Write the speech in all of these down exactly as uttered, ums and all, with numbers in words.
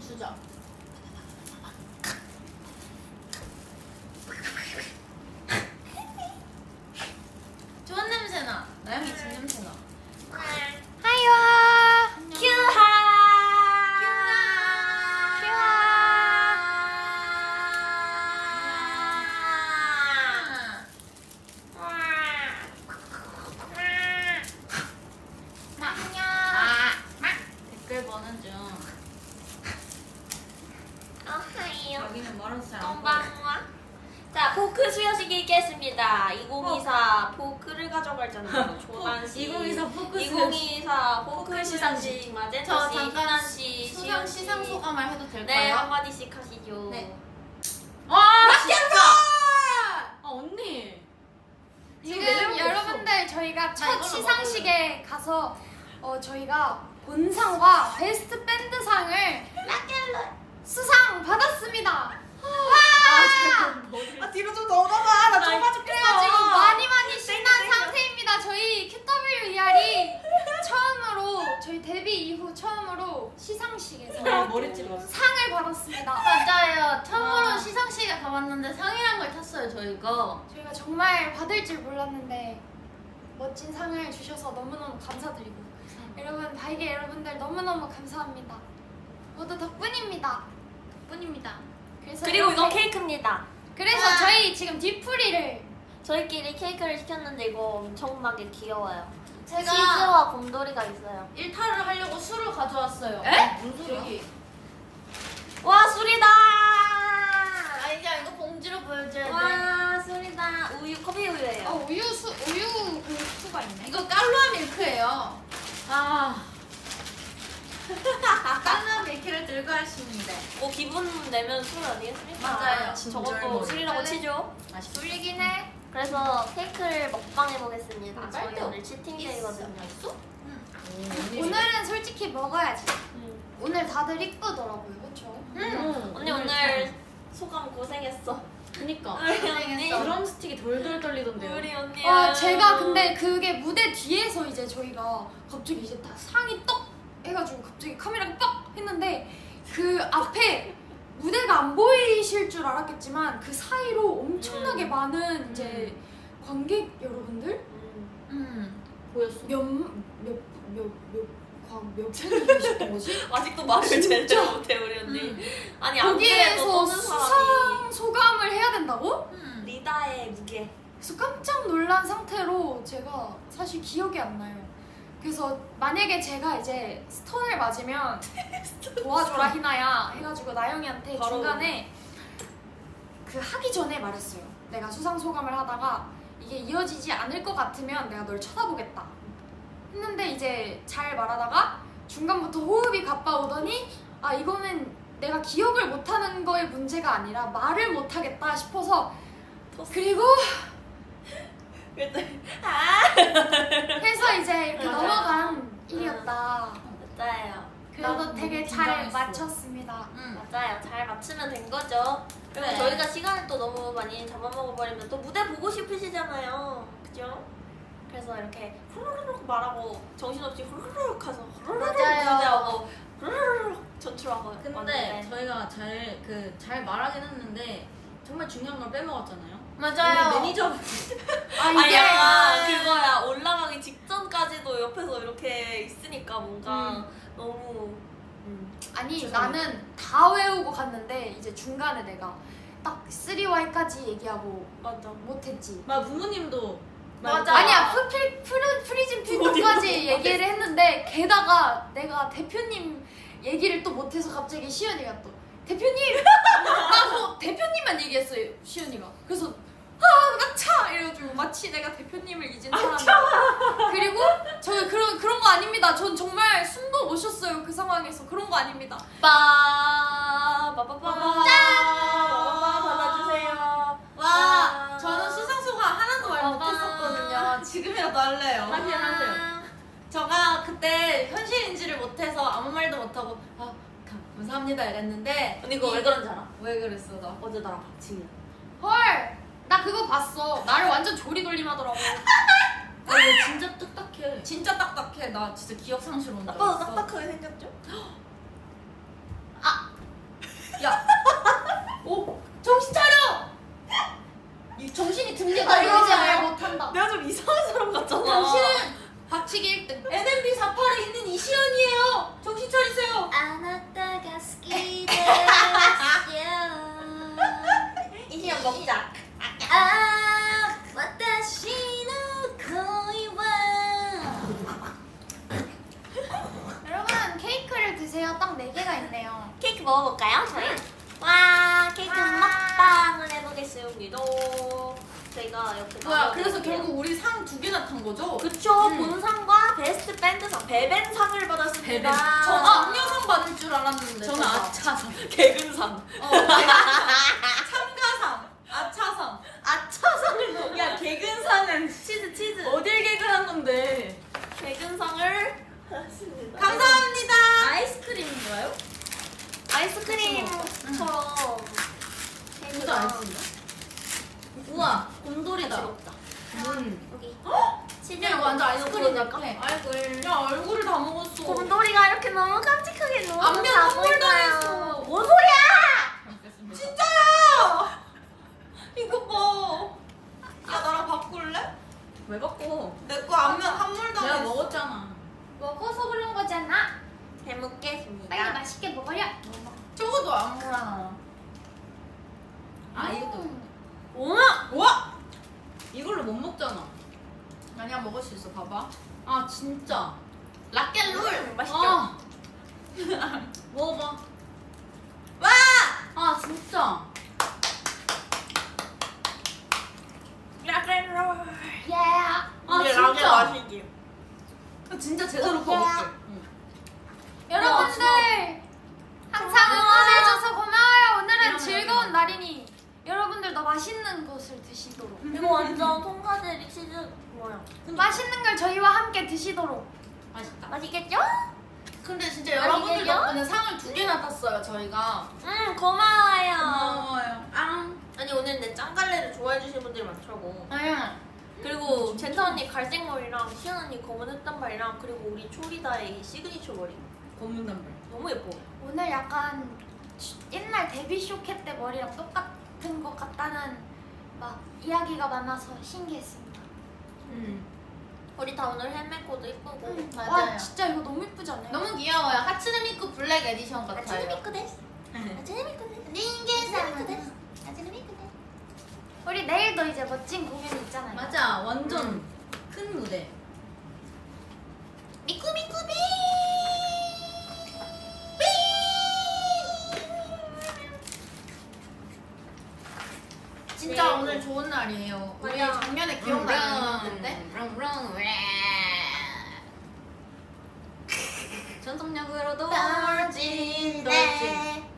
주자. 좋은 냄새나. 나영이 집 냄새나. 하이와 큐하. 댓글 보는 중. 여기는 멀어서 잘 안 보여. 건방와. 자, 포크 수여식이 있겠습니다. 이천이십사 포크를 가져갈잖아요. 조단씨. 이천이십사 포크 이천이십사 포크 포크 시상식. 시상식. 마젠타씨, 저 잠깐 희난씨, 수상 시연씨. 시상 소감을 해도 네, 될까요? 한마디씩 하시죠. 네. 와 진짜. 아 언니. 지금 여러분들 저희가 나 첫 이걸로 시상식에 가서 어, 저희가 본상과 베스트 밴드상을 수상 받았습니다. 와! 아 뒤로 좀 넘어가. 나 좁아 죽겠어. 그래가지고 많이 많이 신난 상태입니다. 저희 큐더블유이알이 처음으로 저희 데뷔 이후 처음으로 시상식에서 머리 찔렀어. 상을 받았습니다. 맞아요. 처음으로 와. 시상식에 가봤는데 상이란 걸 탔어요 저희가. 저희가 정말 받을 줄 몰랐는데 멋진 상을 주셔서 너무너무 감사드리고 여러분 바이게 여러분들 너무너무 감사합니다. 모두 덕분입니다. 뿐입니다. 그래서 그리고 이건 이렇게- 케이크입니다. 그래서 와. 저희 지금 뒤풀이를 저희끼리 케이크를 시켰는데 이거 엄청나게 귀여워요. 제가 치즈와 곰돌이가 있어요. 일탈을 하려고 술을 가져왔어요. 에? 무슨 소리야? 여기. 와, 술이다! 아 이제 이거 봉지로 보여줘야 돼. 와, 술이다. 우유, 커피 우유예요. 어 우유 수 우유 그 수가 있네. 이거 깔루아 밀크예요. 아. 깔루아 밀크를 들고 하십니다. 뭐 기분 내면 술 아니겠습니까? 맞아요. 저것도 술이라고 치죠. 맛있어. 졸리긴 해. 그래서 케이크를 먹방해 보겠습니다. 아, 저희 빨대 오늘 치팅데이거든요. 있어? 오늘은 솔직히 먹어야지. 음. 오늘 다들 이쁘더라고요, 그렇죠? 응. 언니 오늘 소감 고생했어. 그니까. 우리 언니. 드럼 스틱이 돌돌 떨리던데요. 우리 언니. 아 제가 근데 그게 무대 뒤에서 이제 저희가 갑자기 이제 다 상이 떡 해가지고 갑자기 카메라가 빡 했는데 그 앞에 무대가 안 보이실 줄 알았겠지만 그 사이로 엄청나게 음. 많은 이제 관객 여러분들 음. 응. 보였어. 몇몇몇몇몇 분이 계셨던 거지? 아직도 말을 진짜? 제대로 못해 우리 언니. 음. 아니 안 그래도 거기에서 떠는 수상 사람이 소감을 해야 된다고? 응. 리다의 무게. 그래서 깜짝 놀란 상태로 제가 사실 기억이 안 나요. 그래서 만약에 제가 이제 스톤을 맞으면 도와줘라 희나야 해가지고 나영이한테 바로. 중간에 그 하기 전에 말했어요. 내가 수상 소감을 하다가 이게 이어지지 않을 것 같으면 내가 널 쳐다보겠다 했는데 이제 잘 말하다가 중간부터 호흡이 가빠오더니 아 이거는 내가 기억을 못하는 거의 문제가 아니라 말을 못하겠다 싶어서 그리고 그랬더니 아 해서 이제 이렇게 맞아요. 넘어간 일이었다. 맞아요. 그래도 나도 되게 너무 잘 긴장했어. 맞췄습니다. 응. 맞아요. 잘 맞추면 된 거죠. 그리고 네. 저희가 시간을 또 너무 많이 잡아먹어버리면 또 무대 보고 싶으시잖아요. 그죠? 그래서 이렇게 후루룩 말하고 정신없이 후루룩 가서 후루룩 맞아요. 무대하고 후루룩 전출하고 근데 왔는데. 저희가 잘 그 잘 말하긴 했는데 정말 중요한 걸 빼먹었잖아요. 맞아요. 우리 매니저 아 아, 이게 약간 그거야. 올라가기 직전까지도 옆에서 이렇게 있으니까 뭔가 음. 너무 음. 아니 죄송합니다. 나는 다 외우고 갔는데 이제 중간에 내가 딱 쓰리 와이까지 얘기하고 맞아. 못했지. 막 부모님도 맞아. 아니야 프리, 프리, 프리즘 필터까지 얘기를 했는데 게다가 내가 대표님 얘기를 또 못해서 갑자기 시연이가 또 대표님! 나뭐 대표님만 얘기했어요 시연이가. 그래서 아 나차 이래가지고 마치 내가 대표님을 잊은 사람. 그리고 저는 그런 그런 거 아닙니다. 전 정말 숨도 못 쉬었어요 그 상황에서. 그런 거 아닙니다. 빠 빠빠빠 짠 받아주세요. 와 저는 수상 소감 하나도 말 아. 못했었거든요. 지금이라도 할래요. 하세요, 하세요. 제가 그때 현실인지를 못해서 아무 말도 못하고 아 감사합니다 이랬는데 언니 그거 왜 그런지 알아? 왜 그랬어 나? 어제 나랑 박치기. 헐! 나 그거 봤어. 나를 완전 조리돌림하더라고. 아, 너 진짜 딱딱해. 진짜 딱딱해. 나 진짜 기억 상실 온다. 아빠도 딱딱하게 생겼죠? 야, 오, 정신 차려. 이 정신이 듭니다. 나 이거 이제 이러잖아요. 말 못한다. 내가 좀 이상한 사람 같잖아. 당신은 박치기 일 등 엔엠비 사팔에 있는 이시연이에요. 정신 차리세요. 아나타가 스키데스. 이시연 먹자. 아, 와타시노 코이와. 여러분 케이크를 드세요. 딱 네 개가 있네요. 케이크 먹어볼까요, 저희? 와, 케이크 와. 먹방을 해보겠습니다. 저희가 이렇게 뭐야? 나눠드릴게요. 그래서 결국 우리 상 두 개나 탄 거죠? 그쵸, 음. 본상과 베스트 밴드상, 베벤상을 받았습니다. 베벤. 전 악녀상 받을 줄 알았는데. 저는 저 아차상, 개근상. 어, 참가상, 아차상. 아차상을 야, 개근상은 치즈, 치즈. 어딜 개근한 건데? 개근상을 받았습니다. 감사합니다. 아이스크림인가요? 아이스크림처럼 진짜 아이스인가? 우와, 곰돌이다. 같이 먹자. 음. 여기. 치즈 야, 이거 완전 아이스크림이니까. 얼굴. 야, 얼굴을 다 먹었어. 곰돌이가 이렇게 너무 깜찍하게 너무 앞면 다 선물 보인다. 당했어. 뭔 소리야? 진짜야! 이거 봐. 야, 나랑 바꿀래? 왜 바꿔? 내 거 앞면 한물 내가 당했어. 먹었잖아. 먹어서 그런 거잖아. 잘 먹겠습니다. 빨리 맛있게 먹어려. 저거도 안물 하나. 아 이것도 음. 우와! 우와! 이걸로 못 먹잖아. 아니야, 먹을 수 있어. 봐봐. 아 진짜. 락앤롤! 음, 맛있죠? 아. 먹어봐. 와! 아 진짜. 락앤롤. 예. 아 이게 진짜. 락의 맛이지. 진짜 제대로 어, 먹었지. 응. 여러분들 항상 응원해줘서 고마워요. 오늘은 이런 즐거운 거. 날이니 여러분들 더 맛있는 것을 드시도록 이거 완전 통과제리 치즈 뭐야? 맛있는 걸 저희와 함께 드시도록. 맛있다. 맛있겠죠? 근데 진짜 여러분들 맛있겠죠? 덕분에 상을 두 개나 탔어요, 저희가. 음 고마워요. 고마워요. 앙. 아니 오늘 내 짱갈래를 좋아해 주시는 분들이 많더라고. 응. 그리고 젠타 언니 갈색 머리랑 시연 언니 검은 흑단발이랑 그리고 우리 초리다의 시그니처 머리 검은 단발. 너무 예뻐. 오늘 약간 옛날 데뷔 쇼케 때 머리랑 똑같은 것 같다는 막 이야기가 많아서 신기했습니다. 응. 우리 다 오늘 헬멧 코드 이쁘고. 음, 맞아요. 와 진짜 이거 너무 이쁘지 않아요? 너무 귀여워요. 하츠네미쿠 블랙 에디션 같아요. 아츠네미쿠 데스. 아츠네미쿠 데스. 닌게사마. 우리 내일도 이제 멋진 공연이 있잖아요. 맞아. 완전 큰 무대. 미쿠미쿠비. 진짜 네. 오늘 좋은 날이에요. 우리 맞아. 작년에 기억나는 건데. 롱롱 왜. 전속력으로도 떨진 네.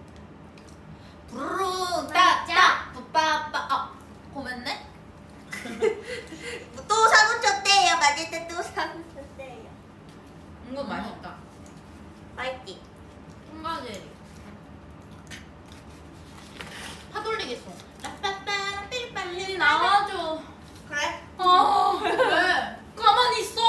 부르르 따따 뿌빠빠. 아, 고맙네. 또 사고 쳤대요. 맞을 때 또 사고 쳤대요. 이거 맛있다. 맛있지? 통과제리. 파돌리겠어. 라빠빠 삘빨리 나와줘. 그래? 어, 왜? 가만히 있어.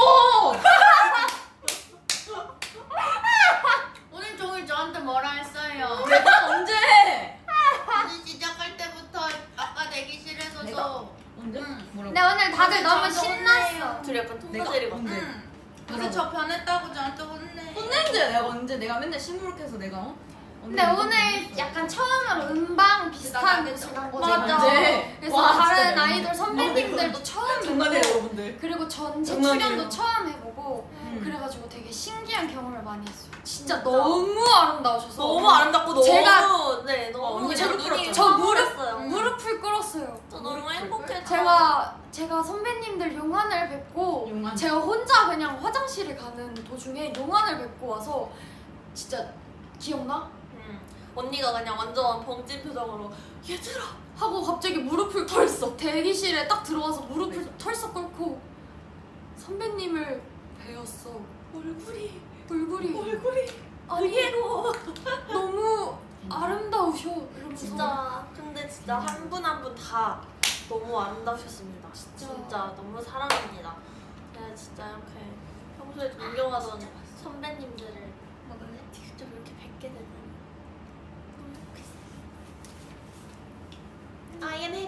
오늘 종일 저한테 뭐라 했어요? 내가 언제? 오늘 시작할 때부터 아까 대기실에서도. 내가? 언제? 응. 뭐라고? 근데 오늘 다들 오늘 너무 저한테 신났어. 둘이 약간 내가 통과제리 같아. 언제? 응. 그래서 저 변했다고 저한테 혼내. 혼낸데 내가 언제? 내가 맨날 시무룩해서 내가 어? 근데 오늘 약간 처음으로 음방 비슷한 게 지난 거죠. 맞아. 언제? 그래서 와, 다른 진짜 아이돌 선배님들도 처음 장난이에요 보고 여러분들. 그리고 전체 장난이에요. 출연도 처음 해보고 음. 그래가지고 되게 신기한 경험을 많이 했어요. 진짜, 진짜. 너무 아름다우셔서 너무 아름답고 너무 제가- 네 너무 어, 언니 그냥 무릎 눈이 꿇었죠? 저 무릎 었어요 무릎을 꿇었어요. 저 너무 행복해. 제가 제가 선배님들 용안을 뵙고 용안. 제가 혼자 그냥 화장실을 가는 도중에 용안을 뵙고 와서 진짜 기억나? 음. 언니가 그냥 완전 벙찐 표정으로 얘들아 하고 갑자기 무릎을 털썩 대기실에 딱 들어와서 무릎을 털썩 꿇고 선배님을 배웠어. 얼굴이 얼굴이 얼굴이 아니 의외로 너무 아름다우셔 이러면서 진짜 근데 진짜 한 분 한 분 다 너무 아름다우셨습니다. 진짜. 진짜 너무 사랑합니다. 내가 진짜 이렇게 평소에 존경하던 선배님들을 직접 이렇게 뵙게 되다니 너무 행복했어.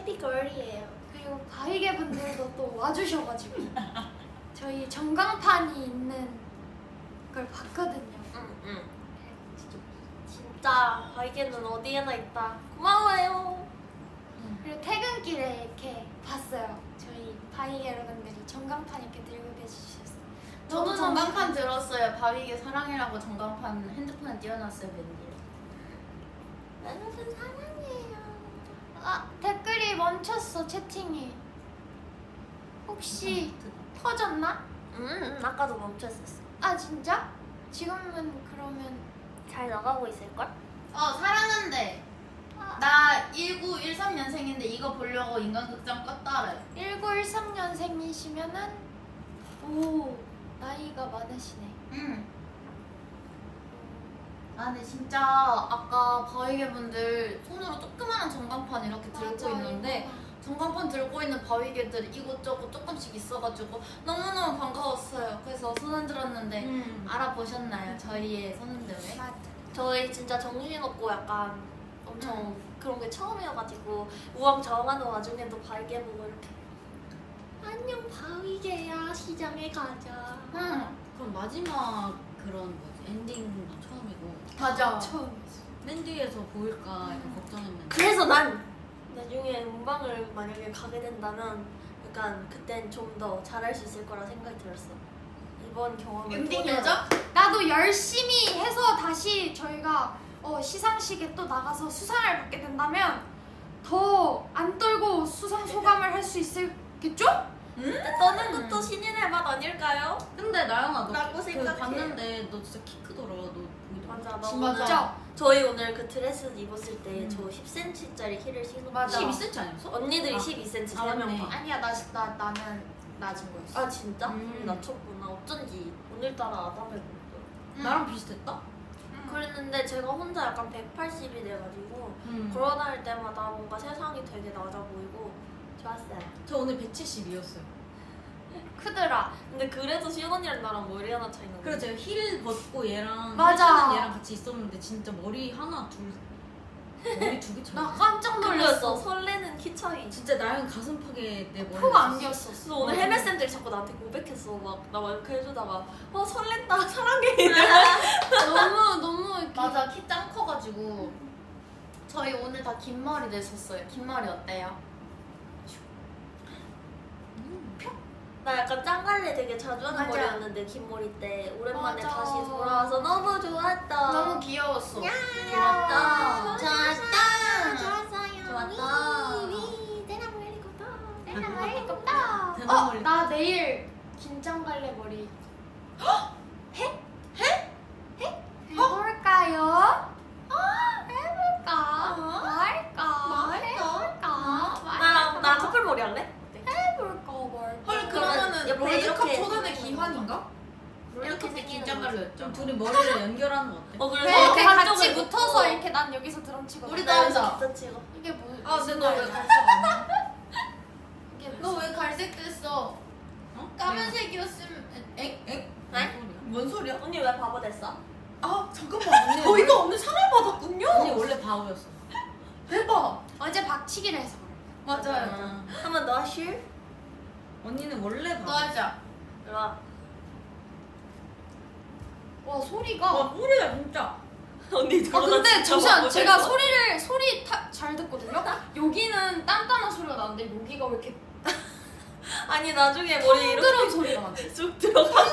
해피 걸이에요. 그리고 바위개 분들도 또 와주셔가지고 저희 전광판이 있는 걸 봤거든요. 응응. 진짜 바이게는 어디에나 있다. 고마워요. 그리고 퇴근길에 이렇게 봤어요. 저희 바위 여러분들이 전광판 이렇게 들고 계시셨어요. 저도 전광판 들었어요. 바위게 사랑해라고 전광판 핸드폰에 띄워놨어요, 웬일. 여러분 사랑해요. 아 댓글이 멈췄어 채팅이. 혹시 터졌나? 음 아까도 멈췄었어. 아 진짜? 지금은 그러면 잘 나가고 있을걸? 어, 사랑한대. 나 일구일삼 년생인데 이거 보려고 인간극장 껐다래. 일구일삼 년생이시면은 오 나이가 많으시네. 응. 아, 근데 진짜 아까 바위개 분들 손으로 조그마한 전광판 이렇게 들고 있는데 전광판 들고 있는 바위개들이 이곳저곳 조금씩 있어가지고 너무너무 반가웠어요. 그래서 손 흔들었는데 음. 알아보셨나요? 저희의 손 흔들을? 맞아. 저희 진짜 정신없고 약간 엄청 그런 게 처음이어가지고 우왕좌왕하는 와중에도 바이게 보고 이렇게 안녕 바위게야 시장에 가자. 응. 그럼 마지막 그런 뭐지 엔딩도 처음이고 맞아. 처음이었어. 맨 뒤에서 보일까 약간 걱정했는데. 그래서 난 나중에 음방을 만약에 가게 된다면 약간 그땐 좀 더 잘할 수 있을 거라 생각이 들었어. 이번 경험을 엔딩 통해서. 여자? 나도 열심히 해서 다시 저희가 어, 시상식에 또 나가서 수상을 받게 된다면 더 안 떨고 수상 소감을 할 수 있겠죠? 근데 떠는 것도 신인의 맛 아닐까요? 근데 나영아 너 라고 그 생각해. 봤는데 너 진짜 키 크더라. 너 보이더라. 맞아 나 진짜. 오늘 진짜 저희 오늘 그 드레스 입었을 때 음. 저 십 센티미터짜리 힐을 신고 맞아. 십이 센티미터 아니었어? 언니들이 아. 십이 센티미터 아, 세 명 맞네. 다. 아니야, 나, 나, 나는 낮은 거였어. 아 진짜? 음. 음. 낮췄구나. 어쩐지 오늘따라 아담해 보였어. 응. 나랑 비슷했다? 응. 그랬는데 제가 혼자 약간 백팔십이 돼가지고 음. 걸어다닐 때마다 뭔가 세상이 되게 낮아 보이고 좋았어요. 저 오늘 백칠십이었어요. 크더라. 근데 그래도 시연 언니랑 나랑 머리 하나 차이 나네. 그래서 제가 힐 벗고 얘랑 맞아. 힐 얘랑 같이 있었는데 진짜 머리 하나 둘 머리 두 개 차이. 나 깜짝 놀랐어. 놀랐어. 설레는 키 차이. 진짜 나영 가슴 파게 내 머리. 푹 안겼었어. 그래서 오늘 헬멧 쌤들이 자꾸 나한테 고백했어. 막 나 막 이렇게 해주다가 어 설렌다 사랑해. 너무 너무 이렇게 맞아, 키 짱 커가지고 저희 오늘 다 긴 머리 냈었어요. 긴 머리 어때요? 나 약간 짱갈래 되게 자주 하는 맞아. 머리였는데 긴 머리 때 오랜만에 맞아. 다시 돌아와서 너무 좋았다. 너무 귀여웠어. 좋았다. 좋았다. 좋았어요. 좋았다. 위, 때나 머리부터. 대나 머리껍다. 대나 어, 머리. 나 내일 긴장 갈래 머리. 해? 해? 해? 해볼까요? 어, 해볼까? 어? 말까? 말까? 해볼까? 나랑 나 커플 머리 할래? 해볼까? 말까? 헐, 그러면은 그러면은 옆에 롤드컵 이렇게 초단의 생기는 기환인가? 이렇게 롤드컵 때 생기는 긴장 거지. 갈렸죠. 좀 둘이 머리를 연결하는 거 어때? 어 그래서 네, 이렇게 같이 한쪽을 붙어서 묶고 이렇게 난 여기서 드럼 치고 우리 나 나 여기서 하자. 기타 치고. 이게 뭐 아, 무슨 근데 너 왜 말이야? 갈색 아니야? 이게 무슨 너 왜 갈색 됐어? 어? 까만색이었으면 엥? 엥? 네? 뭔 소리야? 언니 왜 바보 됐어? 아, 잠깐만. 언니 저희가 오늘 상을 받았군요. 언니 원래 바보였어. 대박. 어제 박치기를 해서 그래. 맞아요. 아, 한번 너 하실? 언니는 원래 바보. 너 하자. 와. 와 소리가 와 소리가 진짜. 언니 아 근데 잠시만 제가 소리를 소리 타, 잘 듣거든요. 여기는 단단한 소리가 나는데 여기가 왜 이렇게 아니 나중에 머리 이렇게 덩드러운 소리가 나지? 쑥 들어가.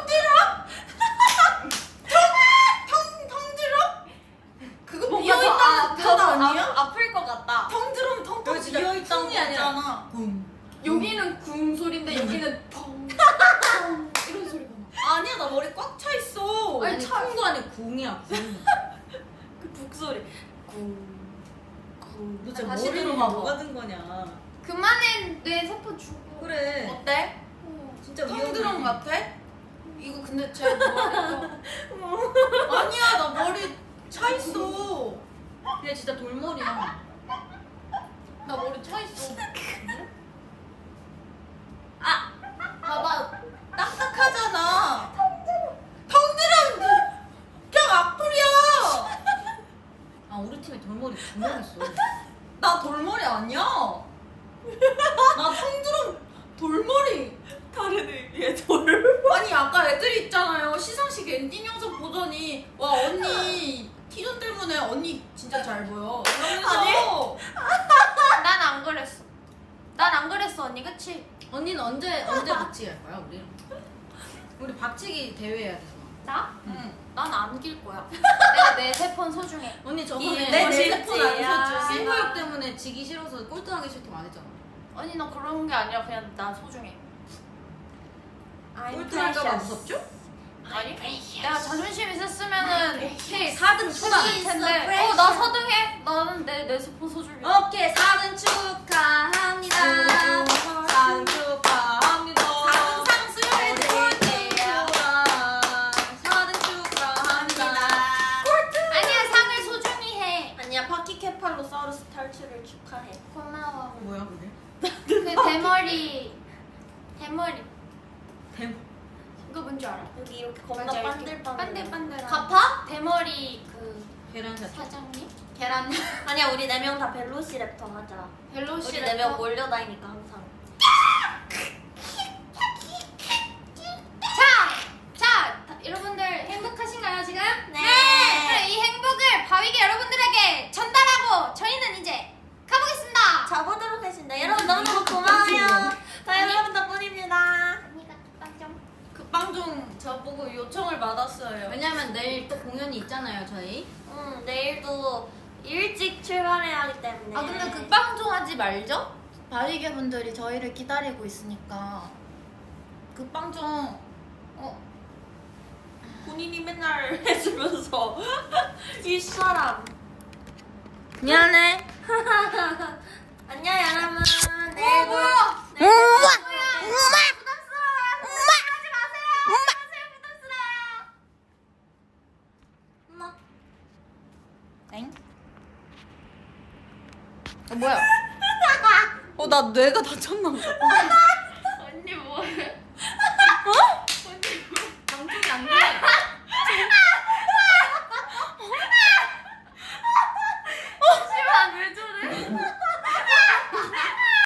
그거 뭔가 비어있다는 더 뜻 아, 아니야? 아, 아플 것 같다. 텅 들으면 텅텅 여기 진짜 비어있다는 쿵이 아니라 거잖아. 붐. 여기는 궁 소리인데 여기는 펑, 펑 이런 소리가 나. 아니야, 나 머리 꽉 차 있어. 아니, 아니 차- 쿵도 아니고 궁이야 궁. 그 북소리. 쿵. 쿵. 너 진짜 다시 머리로 들어봐. 뭐가 든 거냐. 그만해 뇌 세포 주고. 그래. 어때? 어. 진짜 텅 위험해. 들은 것 같아? 이거 근데 제 머리가 아니야, 나 머리 차 있어. 근데 진짜 돌머리야. 나 머리 차 있어. 아, 봐봐, 딱딱하잖아. 텅 들은 그냥 악플이야. 아 우리 팀에 돌머리 두 명 있어. 나 돌머리 아니야. 나 통드럼 돌머리. 다른 의미의 돌. 아니 아까 애들이 있잖아요. 시상식 엔딩 영상 보더니 와 언니 티존 때문에 언니 진짜 잘 보여. 이러면서 난 안 그랬어. 난 안 그랬어 언니 그치? 언니는 언제 언제 박치기 할 거야 우리? 우리 박치기 대회 해야 되잖아. 나? 응. 난 안 길 거야. 내가 내 세 폰 소중해. 언니 저번에 내 언니 핸드폰 안 멋있지야. 써주지. 승부욕 때문에 지기 싫어서 꼴등하기 싫다고 안 했잖아. 언니 너 그런 게 아니라 그냥 난 소중해. 꼴등할까봐 무섭죠? 아니? 내가 자존심 있었으면은 오케이 사 등 초반. 했을 텐데 어 나 사 등 해? 나는 내 내 세 폰 소중해. 오케이 사 등 축하합니다. 사 등 축하합니다. 항상 수요일에 사 등 축하합니다. 아니야 상을 소중히 해. 아니야 파키케팔로사우루스 탈출을 축하해. 고마워. 뭐야 그게? 그 대머리 대머리 대 그거 뭔지 알아? 여기 이렇게 겁나 맞아, 이렇게 반들반들. 반들반들한 가파? 대머리 그 계란샷. 사장님? 계란. 아니야 우리 네 명 다 벨로시랩터 하자. 벨로시 우리 네 명 몰려다니니까 항상. 자! 자! 다- 여러분들 행복하신가요 지금? 네. 그럼 이 행복을 바위게 여러분들에게 전달하고 저희는 이제 가보겠습니다. 자보도록 하겠습니다. 여러분 너무너무 고마워요. 다 여러분 덕분입니다. 언니가 빵 좀. 그 빵종 저보고 요청을 받았어요. 왜냐면 내일 또 공연이 있잖아요 저희. 응 내일도 일찍 출발해야 하기 때문에. 아 근데 그 빵종 하지 말죠? 바위계 분들이 저희를 기다리고 있으니까 그 빵종 어 본인이 맨날 해주면서 이 사람. 미안해. 안녕 여러분. 어 내일도. 뭐야? 내일도 엄마! 뵐게요. 부담스러워요. 엄마! 하지 마세요. 하지 부담스러워요. 엄마. 엥? 어 뭐야? 어 나 뇌가 다쳤나 보다.